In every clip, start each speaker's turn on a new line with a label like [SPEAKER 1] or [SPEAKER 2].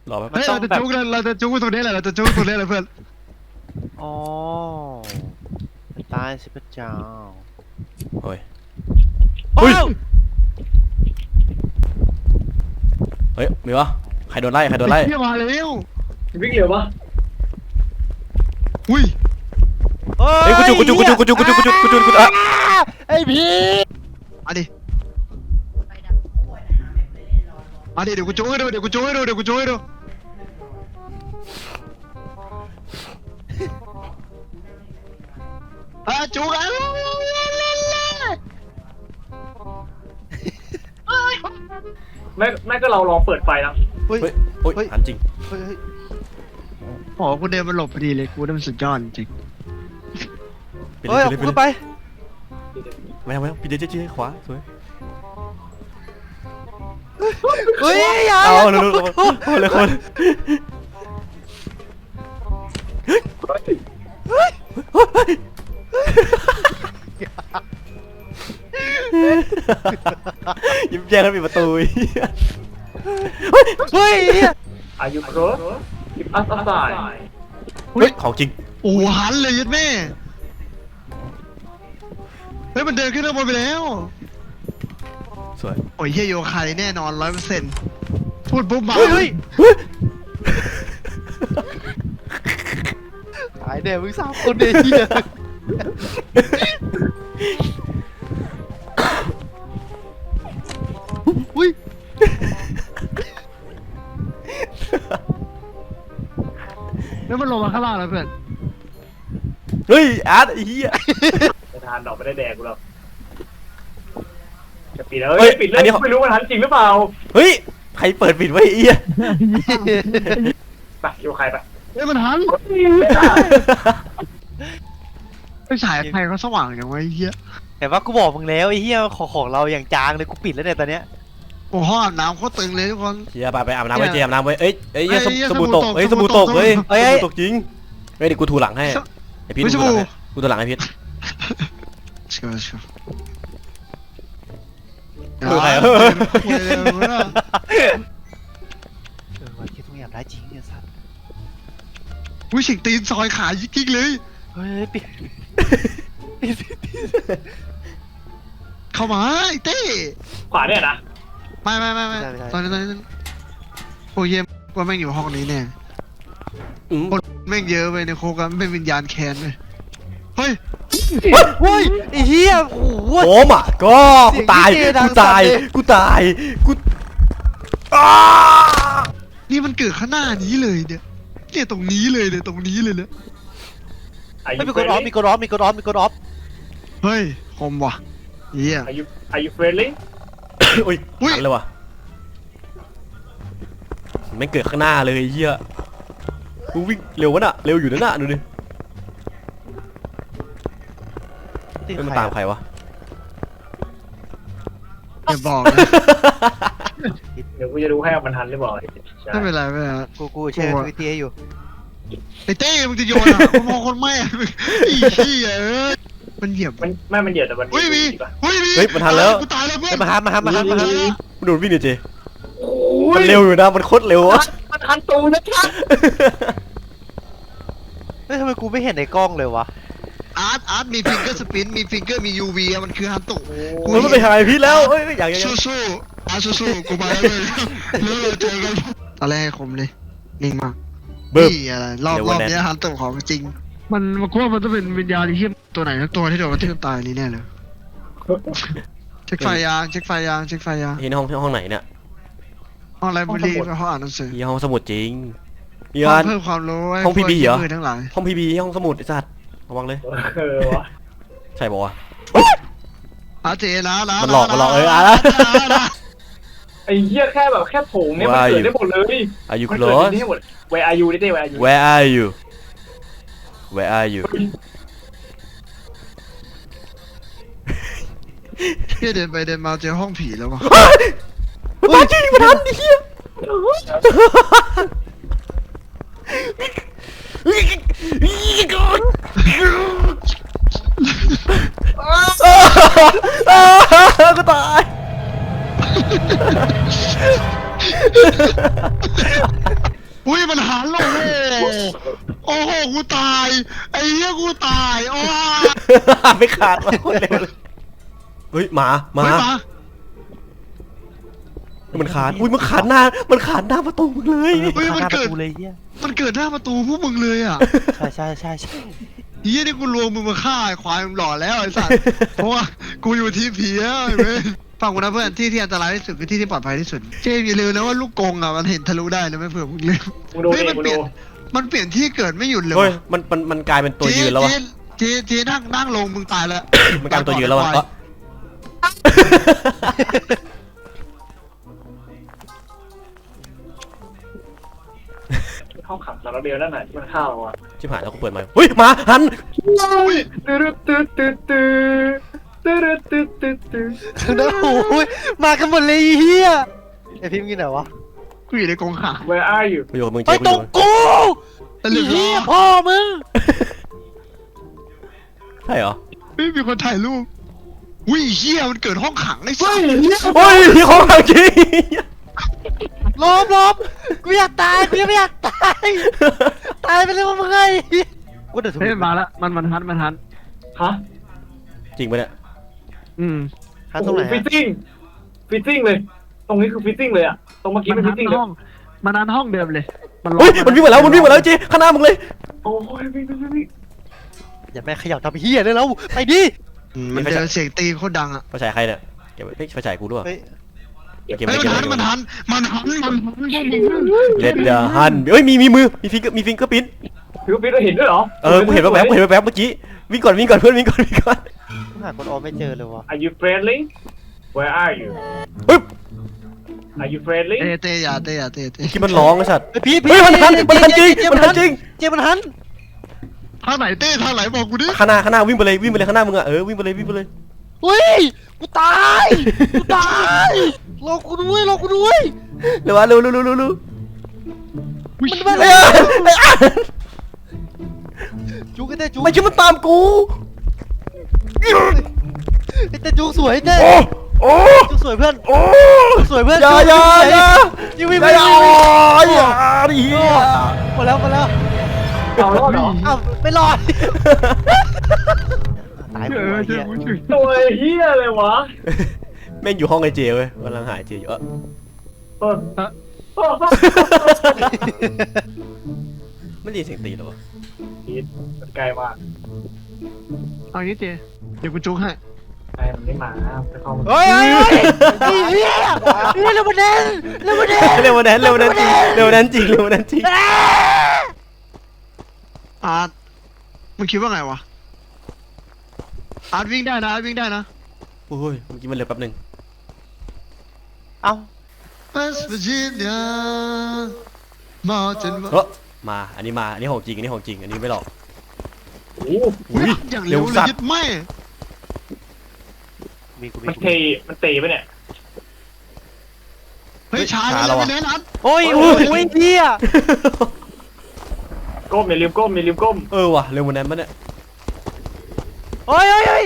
[SPEAKER 1] รอแป๊บ
[SPEAKER 2] เฮ้ยเราจะจุกเลยเราจะจุกตัวนี้แหละเราจะจุกตัวนี้แหละเพื่อน
[SPEAKER 3] อ๋อตายสิพระเจ้า
[SPEAKER 1] เฮ้ย
[SPEAKER 3] โอ้ย
[SPEAKER 1] เฮ้ยมีวะใครโดนไล่ใครโดนไล่
[SPEAKER 2] เฮียมาแล้ว
[SPEAKER 4] วิ่งเร็วปะ
[SPEAKER 2] อุ้ย
[SPEAKER 1] เฮ้ยกูจุกอ่ะ
[SPEAKER 3] ไอ้พี่
[SPEAKER 2] มาดิมาดิเดี๋ยวกูจุกให้ดูเดี๋ยวกูจุกให้ดูเดี๋ยวกูจุกให้ดูจุกอ่ะ
[SPEAKER 4] ไม่ก็เราลองเปิดไฟนะ
[SPEAKER 3] เฮ้ย
[SPEAKER 1] เฮ้ยโอ้ยหันจริง
[SPEAKER 3] เฮ้ย
[SPEAKER 2] โอ้กูเดินมาหลบพอดีเลยกูได้มันสุดยอดจริง
[SPEAKER 3] เฮ้ยเอาขึ้นไป
[SPEAKER 1] ไม่ทำปิดเจ๊ขวาสวย
[SPEAKER 3] เฮ้ยอย่า
[SPEAKER 1] เอาเร็วเลยคนยิ้มแย้มแล้วปิดประตู
[SPEAKER 3] เฮ้ย
[SPEAKER 4] อายุครบกิบอัสไซ
[SPEAKER 1] เฮ้ยของจริง
[SPEAKER 2] โอ้หันเลยยัดแม่เฮ้ยมันเดินขึ้นข้างบนไปแล้ว
[SPEAKER 1] สวย
[SPEAKER 2] โอ้ยเฮียโยคายแน่นอน100%พูดปุ๊บมา
[SPEAKER 3] เฮ้ยตายแน่มึง3 คนเนี่ยเฮียอุ้ย
[SPEAKER 2] แล้วมันลงมาข้างล่างแล้วเพื่อน
[SPEAKER 1] เฮ้ยอาร์ตไอ้เหี้ย
[SPEAKER 4] ไม่ทานดอกไม่ได้แดกกูหรอกจะปิดแล้วปิดเลยไม่รู้มันทันจริงหรือเปล่า
[SPEAKER 1] เฮ้ยใครเปิดปิดไว้ไอ้เหี้ย
[SPEAKER 4] ไปอยู่ใครไป
[SPEAKER 2] เฮ้ยมันหันไฟฉายไฟเขาสว่างอย่างวะไอ้เหี้ย
[SPEAKER 3] เห็นว่ากูบอกมึงแล้วไอ้เหี้ยของเราอย่างจางเลยกูปิดแล้วเนี่ยตอนเนี้ย
[SPEAKER 2] โอ้ห้องอาบน้ำโคตรตึงเลยทุกคน
[SPEAKER 1] เฮียไปอาบน้ำไว้เจอาบน้ำไว้เอ้ยสบู่ตก
[SPEAKER 2] เฮ้
[SPEAKER 1] เฮ้ย
[SPEAKER 2] ย
[SPEAKER 1] สบู่ตก
[SPEAKER 2] สบู่ตก
[SPEAKER 1] เฮ้ยสบู่ตกจริงเฮ้ยเดี๋ยวกูถูหลังให้ไอพีทกูถูหลังให้พีท
[SPEAKER 2] เชื่อ
[SPEAKER 1] ใคร
[SPEAKER 3] ว่าคิดต้องอยากได้จริงเนี่ยสัตว์
[SPEAKER 2] วิชิงตีนซอยขายิกๆเลย
[SPEAKER 3] เฮ้ยปิด
[SPEAKER 2] เข้ามาไอ้เต้
[SPEAKER 4] ขวาเนี่ยนะ
[SPEAKER 2] ไม่ตอนนี้โอ้ยเยี่ยมว่าแม่งอยู่ห้องนี้แน่คนแม่งเยอะไปในโคกันเป็นวิญญาณแค้นเลยเฮ้ย
[SPEAKER 3] เฮ้ยไอ้เหี้ยโอ้โห
[SPEAKER 1] โอ้มอ่ะก็กูตาย
[SPEAKER 2] นี่มันเกิดข้างหน้านี้เลยเนี่ยตรงนี้เลยเนี่ยตรงนี้เลยเนี่ย
[SPEAKER 3] ไม่มีกดออฟมีกดออฟ
[SPEAKER 2] เฮ้ยคมว่ะเฮีย
[SPEAKER 4] อายุเฟรนลี่
[SPEAKER 1] อุ้ยหันเลยว่ะไม่เกิดข้างหน้าเลยเฮียกูวิ่งเร็ววะน่ะเร็วอยู่นั่นน่ะดูดิมันตามใครวะ
[SPEAKER 2] อย่าบอกนะ
[SPEAKER 4] เดี๋ยวกูจะดูให้มันทันหรือเปล่า
[SPEAKER 2] ไม่เป็นไรไม่เป็นไร
[SPEAKER 3] กูแชร์ทวิตเตอร์อยู่
[SPEAKER 2] ไอ้เต้มึงจะโยนอ่ะกูมองคนแม่อีขี้มันเหยียบ
[SPEAKER 4] มันเดียวแต่มัน
[SPEAKER 2] เฮ้ยมี
[SPEAKER 1] เฮ้ยมันทันแล้ว
[SPEAKER 2] กูตายแล้วเพื่อน
[SPEAKER 3] มาหา
[SPEAKER 1] ดูวิ่งดิเจมันเร็วอยู่นะมันโคตรเร็วอะ
[SPEAKER 4] มันทันตูนะครับ
[SPEAKER 3] เฮ้ยทำไมกูไม่เห็นในกล้องเลยวะ
[SPEAKER 2] อาร์ตมีฟิงเกอร์สปินมีฟิงเกอร์มียูวีมันคือฮันตุ
[SPEAKER 1] มันไม่ไปหาไอพีทแล้วเฮ้ยอย่าง
[SPEAKER 2] สู้อาร์ตสู้กูมาแล้วเลยแล้วเราเจอกันตอนแรกคมเลยนิ่งมากนี่อะไรรอบนี้ฮันตุของจริงมันกูว่ามันต้องเป็นวิญญาณที่ตัวไหนทั้งตัวที่โดนกระทืบตายนี่แน่เลยเช็คไฟยาง
[SPEAKER 1] ที่ห้องไหนเนี่ย
[SPEAKER 2] ห้องไลบรารีห้องอ่านหนังสือ
[SPEAKER 1] ห้องสมุดจริง
[SPEAKER 2] ห้องเพิ่มความรู้
[SPEAKER 1] ห้องพีบีเหรอ
[SPEAKER 2] ทั้งหลาย
[SPEAKER 1] ห้องพีบีห้องสมุดไอ้สัตว์ระวังเลย
[SPEAKER 4] วะ
[SPEAKER 1] ใช่ป่าวะ
[SPEAKER 2] อาเจนะ
[SPEAKER 1] มันหลอก
[SPEAKER 4] ไอ้เหี้ยแค่โถงเนี่ยมันเกิดได้หมดเลย
[SPEAKER 1] Are you
[SPEAKER 4] มันเกิด
[SPEAKER 1] close
[SPEAKER 4] ได้หมด Where are you ได้ Where are you
[SPEAKER 1] Where are you Where are you
[SPEAKER 2] เฮียเดินไปเดินมาเจอห้องผีแล้ววะ
[SPEAKER 1] มาจริงมาทันไอ้เหี้ยก็ตาย
[SPEAKER 2] อุ้ยมันหันลงโอ้โหกูตายไอ้เหี้ยกูตายโอ้
[SPEAKER 1] ไม่ขาดมาโคตรเร็วเลยเฮ้ยหมา
[SPEAKER 2] เฮ้ยมา
[SPEAKER 1] มันขาดอุ้ยมันขาดหน้าประตูมึงเลย
[SPEAKER 2] เฮ้ย
[SPEAKER 3] ข้าง
[SPEAKER 2] มัน
[SPEAKER 3] หน้าป
[SPEAKER 2] เกิ
[SPEAKER 3] ระ
[SPEAKER 2] ด
[SPEAKER 3] ตูเลยเฮีย
[SPEAKER 2] มันเกิดหน้าประตูพวกมึงเลยอ่ะ
[SPEAKER 3] ใช่
[SPEAKER 2] เฮียนี่กูรวมมึงมาฆ่าไอ้ควายมึงหล่อแล้วไอ้สัสเพราะว่ากูอยู่ทีมผีแล้วไอ้เว้ยฟังกูนะเพื่อนที่อันตรายที่สุดคือที่ที่ปลอดภัยที่สุดเจมส์อย่าลืมนะว่าลูกกงอ่ะมันเห็นทะลุได้นะไม่เผื่อมึงลืม
[SPEAKER 4] มึงดู
[SPEAKER 2] เฮ้ย
[SPEAKER 4] ดิ
[SPEAKER 2] มัน
[SPEAKER 4] มึง
[SPEAKER 2] เปลี่
[SPEAKER 4] ดู
[SPEAKER 2] ยนมันเปลี่ยนที่เกิดไม่หยุดเลย
[SPEAKER 1] เฮ้ย
[SPEAKER 2] ว่ะ
[SPEAKER 1] มันกลายเป็นตัวยืนแล้ววะ
[SPEAKER 2] เจนั่งลงมึงตายแล้ว
[SPEAKER 1] มันกลายเป็นตัวยืนแล้ววะก็
[SPEAKER 4] ห้องขังสารเดียวนั่นน่ะที่มันเข้าอ่ะ
[SPEAKER 1] ชิบหายแล้วกูเปิดมาเฮ้ยหมาหัน
[SPEAKER 3] ข้างหน้าโอ้ยมากันหมดเลยเฮียไอพิมพ์กินไหนวะ
[SPEAKER 2] กูอยู่ในกรงขัง
[SPEAKER 4] Where are you
[SPEAKER 1] กูอยู่กับมึง
[SPEAKER 3] ไป
[SPEAKER 1] เจ๊
[SPEAKER 3] ตรงกู
[SPEAKER 2] ตะลึง
[SPEAKER 3] เฮี
[SPEAKER 2] ล้
[SPEAKER 3] ย
[SPEAKER 2] อ
[SPEAKER 3] พ่อมึง
[SPEAKER 1] ใช่เหรอ
[SPEAKER 2] ไม่มีคนถ่ายรูปวิ่งเฮียมันเกิดห้องขังไอ้สัส
[SPEAKER 1] โอ้ยที่ของจริง
[SPEAKER 3] ลบกูอยากตายกูยังไม่อยากตายตายไปเลยว่ามึงไงกูเดือด
[SPEAKER 2] เฮ้ยมาละมันหัน
[SPEAKER 4] ฮะ
[SPEAKER 1] จริงปะเนี่ย
[SPEAKER 3] หาตรงไหน
[SPEAKER 4] ฟิตติ้งเลย ตรงนี้คือฟิตติ้งเลยอ่ะตรงเมื่อกี้เป็นฟิตติ้งเลย
[SPEAKER 2] มันหันห้องเดิมเลย
[SPEAKER 1] เฮ้ยมันวิ่งมาแล้วเจ๊ข้างหน้ามึงเลย
[SPEAKER 4] โอ้ยวิ่ง
[SPEAKER 3] อย่าแม่ขยับทำเฮียได้แล้วไปดิ
[SPEAKER 2] มันเจอเสียงตีโคตรดังอ่ะ
[SPEAKER 1] ไฟฉายใครเนี่ยเก็บไว้ไฟฉายกูด้วย
[SPEAKER 3] เฮ้ย
[SPEAKER 1] เก็บ
[SPEAKER 2] เฮ้
[SPEAKER 1] ไว้
[SPEAKER 2] ย
[SPEAKER 1] เก็บไว้
[SPEAKER 2] มันหัน
[SPEAKER 1] เลดเดอร์ฮันเฮ้ยมีมือมีฟิงเกอร์ปิ้น
[SPEAKER 4] ฟิวฟิตเราเห็นด้วยเหรอ
[SPEAKER 1] กูเห็นแว๊บเมื่อกี้วิ่งก่อนเพื่อนวิ่งก่อน
[SPEAKER 3] กูหาคนออมไม่เจอเลยวะ
[SPEAKER 4] Are you friendly Where are you
[SPEAKER 1] ปึ๊บ
[SPEAKER 4] Are you friendly
[SPEAKER 2] เตะอย่า
[SPEAKER 1] คิดมันร้องไอ้สัตว์
[SPEAKER 3] พี่
[SPEAKER 1] เฮ้ยมันหันจริง
[SPEAKER 3] เจมันหัน
[SPEAKER 2] ทางไหนเต้ทางไหนบอกกูดิ
[SPEAKER 1] ข้างหน้าวิ่งไปเลยข้างหน้ามึงอะวิ่งไปเลย
[SPEAKER 3] เฮ้ยกูตายรอกูด้วย
[SPEAKER 1] เร็วเร็ว
[SPEAKER 3] มันมา
[SPEAKER 1] ไอ้
[SPEAKER 3] จุกไอ้เต้จุก
[SPEAKER 1] ไม่คิดมันตามกู
[SPEAKER 3] ไอ้เต้จุกสวยเต้
[SPEAKER 1] โอ้
[SPEAKER 3] จุกสวยเพื่อน
[SPEAKER 1] โอ้
[SPEAKER 3] สวยเพื่อน
[SPEAKER 1] อย่า
[SPEAKER 3] ยิงวิ่ง
[SPEAKER 1] อย่าดิ
[SPEAKER 3] หมดแล้ว
[SPEAKER 4] เอารอดเหรอ
[SPEAKER 3] อ้าวไม่รอดตายหัวเฮีย
[SPEAKER 4] ตัวเฮียเลยวะ
[SPEAKER 1] แม่งอยู่ห้องไอเจเว้ยกำลังหายเจอยู่ไม่ได้ยินเสียงตีหรอวะ
[SPEAKER 4] พีทมันไกลมาก
[SPEAKER 2] เอางี้เจเดี๋ยวกูจุกให้
[SPEAKER 4] ไอ้มันไม่มาจะเข้ามา
[SPEAKER 3] เฮ้ยเฮียเร็วมาเด่น
[SPEAKER 1] เร็วนั้นจริง
[SPEAKER 2] อาร์ตมึงคิดว่าไงวะอาร์ตวิ่งได้นะ
[SPEAKER 1] โอ้ยเมื่อกี้มันเร็วแป๊บนึง
[SPEAKER 3] เอ้า
[SPEAKER 2] West Virginia Mountain
[SPEAKER 1] มาอันนี้ของจริงอันนี้ไม่หลอก
[SPEAKER 4] โอ้
[SPEAKER 2] อย่างเร็วเลยยึดไม่
[SPEAKER 4] มันเตะไปเนี่ย
[SPEAKER 2] เฮ้ยช้าแล้วไม่เน้นอาร์ต
[SPEAKER 3] โอ้ยเฮีย
[SPEAKER 4] ก้มอย่าลืมก้ม
[SPEAKER 1] ว่ะเร็วกว่านั้นปะเนี่ย
[SPEAKER 3] เฮ้ย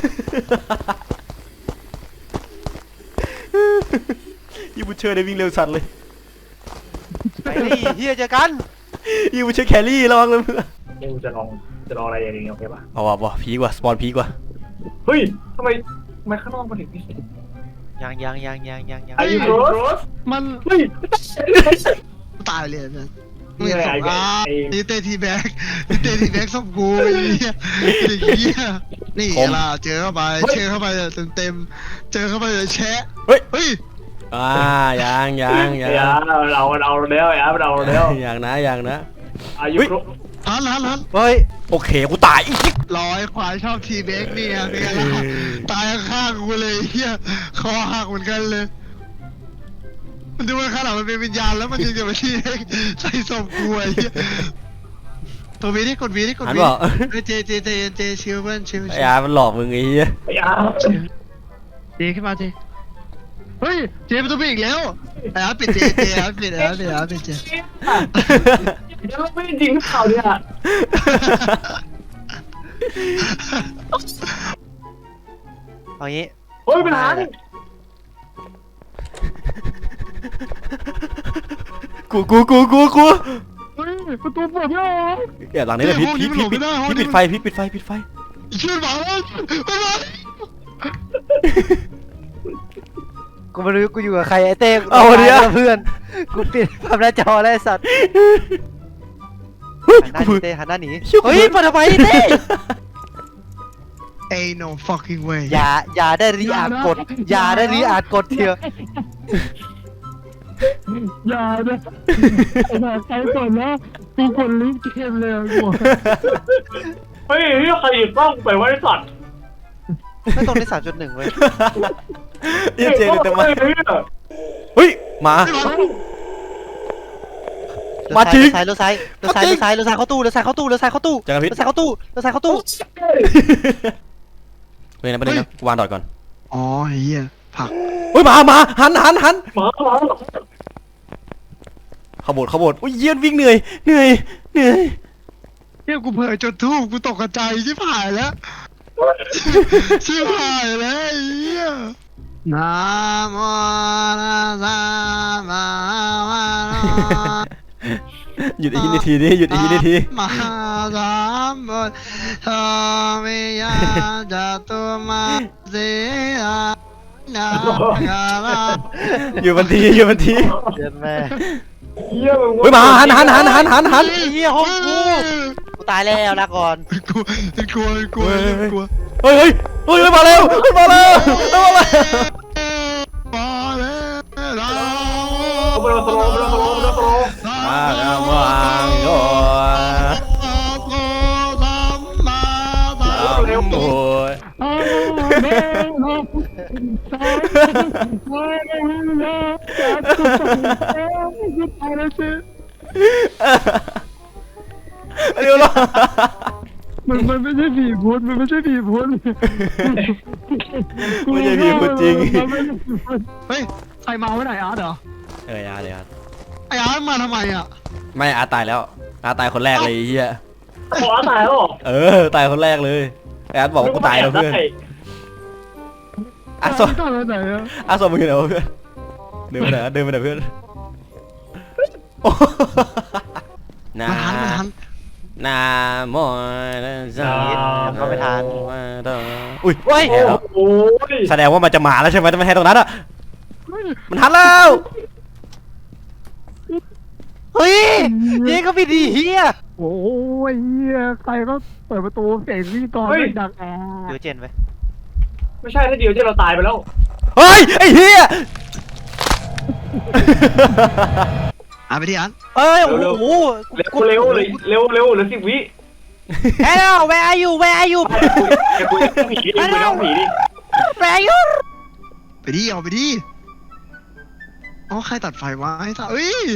[SPEAKER 1] ยูบูเชอร์ได้วิ่งเร็วสัตว์เลย
[SPEAKER 3] ไปดิเฮียเจอกัน
[SPEAKER 1] ยูบูเชอร์แครี่ระวังเลยเพื่อน
[SPEAKER 4] นี่กูจะลองอะไรอย่างนี้โอเคป่ะ
[SPEAKER 1] เอาว่ะพีกว่าสปอนพีกว่า
[SPEAKER 4] เฮ้ยทำไมข้างนอกมันถึงนี่
[SPEAKER 3] ยัง
[SPEAKER 4] Are you close
[SPEAKER 2] มัน
[SPEAKER 4] เฮ้ย
[SPEAKER 2] ตายเลยนะ
[SPEAKER 4] นี่อะไรไอ้
[SPEAKER 2] นี่เตทีแบ็กส่งกูไอ้เหี้ยนี่ล่ะเจอเข้าไปเจอเข้าไปเต็มเจอเข้าไปเลยแชะเฮ้ย
[SPEAKER 1] ยัง
[SPEAKER 4] อย่าเอาแล้วมันเอาแล้ว
[SPEAKER 1] อย่างนะ
[SPEAKER 4] Are you close
[SPEAKER 2] หัน
[SPEAKER 3] เฮ้ย
[SPEAKER 1] โอเคกูตายอีก
[SPEAKER 2] ร้อยควายชอบทีแบ็กนี่ไงเป็นไงล่ะตายข้างกูเลยเฮียคอหักเหมือนกันเลยมันดูว่าข้างหลังมันเป็นวิญญาณแล้วมันยังจะมาที่ใส่ศพกูไอ้เหี้ยตัววีนี่กดวี
[SPEAKER 1] หันบอก
[SPEAKER 2] เจชิวเพื่อนชิว
[SPEAKER 1] ไอ้อามันหลอกมึงไอ้เหี้ย
[SPEAKER 4] ไอ้อา
[SPEAKER 2] เจขึ้นมาเจเฮ้ยเจประตูปิดอีกแล้วไอ้อาปิดเจปิดเจ
[SPEAKER 4] แล้วไม่จริงข่าวเนี่ย
[SPEAKER 3] เอางี้
[SPEAKER 4] เฮ้ยเป็นหา
[SPEAKER 1] กู
[SPEAKER 2] เฮ้ยประตูเปิดไม่ออก
[SPEAKER 1] แอบหลังนี้เลยพีท
[SPEAKER 2] ห้องนี้มันหลบไม่ได้ห้องนี้
[SPEAKER 1] ปิดไฟพีทปิดไฟ
[SPEAKER 2] ช่วยหมาแล้วไปเลย
[SPEAKER 3] กูไม่รู้กูอยู่กับใครไอ้เต้กู
[SPEAKER 1] เอาเดี๋ยว
[SPEAKER 3] เพื่อนกูปิดภาพหน้าจอแล้วไอ้สัตว์
[SPEAKER 1] เฮ้ย
[SPEAKER 3] หันหน้า
[SPEAKER 1] กู
[SPEAKER 3] หนีเต้หันหน้าหนี
[SPEAKER 1] เชี่ยกู
[SPEAKER 3] เฮ้ยมาทำไมเต้
[SPEAKER 2] Ain't no fucking way
[SPEAKER 3] อย่าได้รีอาร์กดอย่าได้รีอาร์กดเถอะ
[SPEAKER 2] อย่าเลยไอ้หมาใครก่อนนะกูคนลิ้นเกมเลยกู
[SPEAKER 4] เฮ้ยใครหยิบกล้องไปไว้สัตว์
[SPEAKER 3] ไม่ตรงที่3.1เว้ย
[SPEAKER 1] เหี้ยเจนเต็มมา
[SPEAKER 4] เฮ้ย
[SPEAKER 1] เฮ้ยมา มาจริง
[SPEAKER 3] เลี้ยวซ้ายเข้าตู้เลี้ยวซ้ายเข้าตู้
[SPEAKER 1] เจอกันพีท
[SPEAKER 3] เลี้ยวซ้ายเข้าตู้
[SPEAKER 1] เฮ้ยนะประเด็นนะวางดอดก่อน
[SPEAKER 2] อ๋อเฮียผัก
[SPEAKER 1] เฮ้ยมาหัน
[SPEAKER 4] หมา
[SPEAKER 1] ขบวนอุ้ยเยี่ยนวิ่งเหนื่อย
[SPEAKER 2] เฮียกูเผยจนทูบกูตกใจชิบหายแล้วชิบหายแล้วไอ้เฮียนะโมตัสสะภะคะวะโต
[SPEAKER 1] หยุดอีกนิดทีดิหยุดอีกนิดที
[SPEAKER 2] มหาสามบุตรทวิยาจตุมาสีอานาคารา
[SPEAKER 1] อยู่บันที
[SPEAKER 3] เย็นแม่
[SPEAKER 4] เยี่ยม
[SPEAKER 1] เฮ้ยมาหัน
[SPEAKER 3] ไอ้เหี้ยห้องกูตายแล้วลาก่อน
[SPEAKER 2] กลัว
[SPEAKER 1] เฮ้ยมาเร็วมาแล้ว
[SPEAKER 2] มาแล้ว
[SPEAKER 4] เอาไปเอาสโลว์
[SPEAKER 1] มาแล้ววางโย
[SPEAKER 4] เร็ว
[SPEAKER 1] โอ้ยเร็ว
[SPEAKER 2] มันไม่ใช่ผีพุทธมันไม่ใช่ผีพุทธ
[SPEAKER 1] ไม่ใช่พี่พูดจริง
[SPEAKER 2] เฮ้ยใครมาไว้ไหนอาร์ตเหรอ
[SPEAKER 1] อาร์ต
[SPEAKER 2] ไออาร์ตมาทำไมอ่ะ
[SPEAKER 1] ไม่อาร์ตตายแล้วอาร์ตตายคนแรกเลยไอ้เฮีย
[SPEAKER 4] ขอตายแล้ว
[SPEAKER 1] ตายคนแรกเลยอาร์ตบอกว่ากูตายแล้วเพื่อนอาร์ตสม
[SPEAKER 2] ตอนไหนอ่ะ
[SPEAKER 1] อาร์ตสมมึงอยู่ไหนวะเพื่อนเดินไปไหนเพื่อนนา
[SPEAKER 2] มันทัน
[SPEAKER 1] นาโมตัสสะ
[SPEAKER 3] ก็ไม่ทัน
[SPEAKER 1] อุ้ย
[SPEAKER 3] เฮ้ย
[SPEAKER 4] โอ้ย
[SPEAKER 1] แสดงว่ามันจะมาแล้วใช่ไหมจะไม่ให้ตรงนั้นอ่ะมันทันแล้ว
[SPEAKER 3] เฮ้ยนี่ก็ไม่ดีเฮีย
[SPEAKER 2] โอ้ยเฮียใครก็เปิดประตูเสียงพี่กรไม่ดังแอ
[SPEAKER 3] เดี๋ยวเจนไป
[SPEAKER 4] ไม่ใช่ถ้าเดียวที่เราตายไปแล้ว
[SPEAKER 1] เฮ้ยไอ้เฮีย
[SPEAKER 2] ไปที่อัน
[SPEAKER 3] เอ้ยโอ้โห
[SPEAKER 4] เร็วเหลือ10 วิ
[SPEAKER 3] เฮ้ย where are you
[SPEAKER 4] แกคุยกับผีดิคุยกับผีดิ
[SPEAKER 3] where are you
[SPEAKER 2] ไปดิเอาไปดิอ๋อใครตัดไฟวะไอ้สัสเอ้ย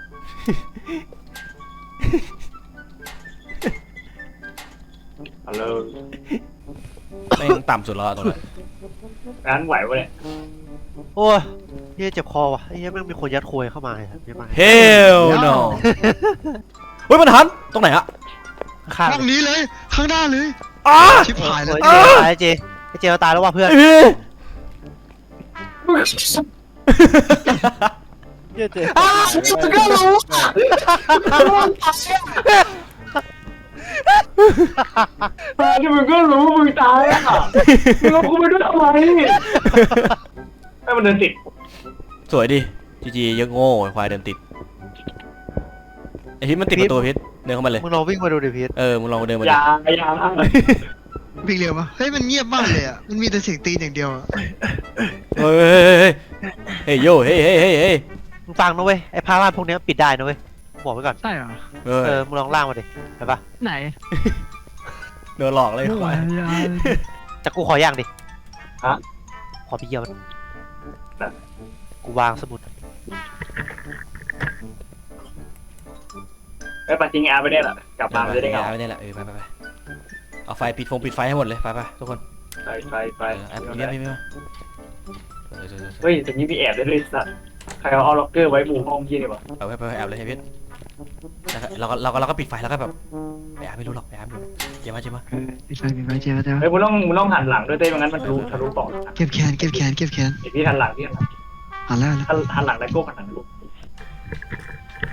[SPEAKER 4] ฮัลโหล
[SPEAKER 1] แม่งต่ำสุดแล้วตรงนั้น
[SPEAKER 4] ร้านไหววะเนี่ย
[SPEAKER 3] โอ้ยเฮียเจ็บคอว่ะเฮียแม่งมีคนยัดควยเข้ามาเลยเยอะมาก
[SPEAKER 1] Hell no เฮ้ยมันทันตรงไหนอะ
[SPEAKER 3] ข้าง
[SPEAKER 2] ห้องนี้เลยข้างหน้าเลย
[SPEAKER 1] อ้า
[SPEAKER 2] ชิบหายแล้ว
[SPEAKER 3] ไอ้เจเราตายแล้วว่ะเพื่อน
[SPEAKER 1] ไอ้พี่
[SPEAKER 3] เฮียเจ
[SPEAKER 4] มึงก็รู้ที่มึงก็รู้มึงตายอ่ะมึงเอากูไปด้วยทำไมให้มันเดินติด
[SPEAKER 1] สวยดิจียังโง่ควายเดินติดไอ้พิษมันติดประตูพิษเดินเข้ามาเลย
[SPEAKER 3] มึงลองวิ่งมาดูดิพีท
[SPEAKER 1] มึงลองเดินมา
[SPEAKER 4] อ
[SPEAKER 1] ดิ
[SPEAKER 4] ย่า
[SPEAKER 2] วิ่งเร็วปะเฮ้ยมันเงียบมากเลยอ่ะมันมีแต่เสียงตีนอย่างเดียวอะ
[SPEAKER 1] เฮ้ยโย่เฮ้ย
[SPEAKER 3] มึงฟังนะเว้ยไอ้ผ้าม่านพวกนี้ปิดได้นะเว้ยบอกไว้ก่อน
[SPEAKER 2] ใช่เหรอ
[SPEAKER 3] มึงลองล่างมาดิเห็นปะ
[SPEAKER 2] ไหน
[SPEAKER 1] โดนหลอกเลยควาย
[SPEAKER 3] จะกูขอย่างดิขอพี่เยี่ยมกูวางสมุด
[SPEAKER 4] ไอ้ปัจจิงอาไปได้แหละกลับมาจะได้เงา
[SPEAKER 1] ไม่ได้ละไปเอาไฟปิดไฟให้หมดเลยไปทุกคน
[SPEAKER 4] ไป
[SPEAKER 1] แอบเงียบพี่ไม่มา
[SPEAKER 4] เฮ้ยแต่นี้มีแอบได้ด้วยสัตว์ใครเอาล็อกเกอร์ไว้มุมห้องยี่นี่วะ
[SPEAKER 1] เอาไปแอบเลยให้พิษเราก็ปิดไฟแล้วก็แบบไอ้อาไม่รู้หรอกไอ้อาไม่รู้อย่ามา
[SPEAKER 2] ปิดไฟเจ๊มาเจ๊
[SPEAKER 4] เฮ้ยมึงต้องหันหลังด้วยเต้ไม่งั้นมันทะลุปอด
[SPEAKER 2] เก็บแขน
[SPEAKER 4] ไอพี่หันหลังพี่
[SPEAKER 2] หันแล้ว
[SPEAKER 4] หันหลังแล้วก็หันหลังลูก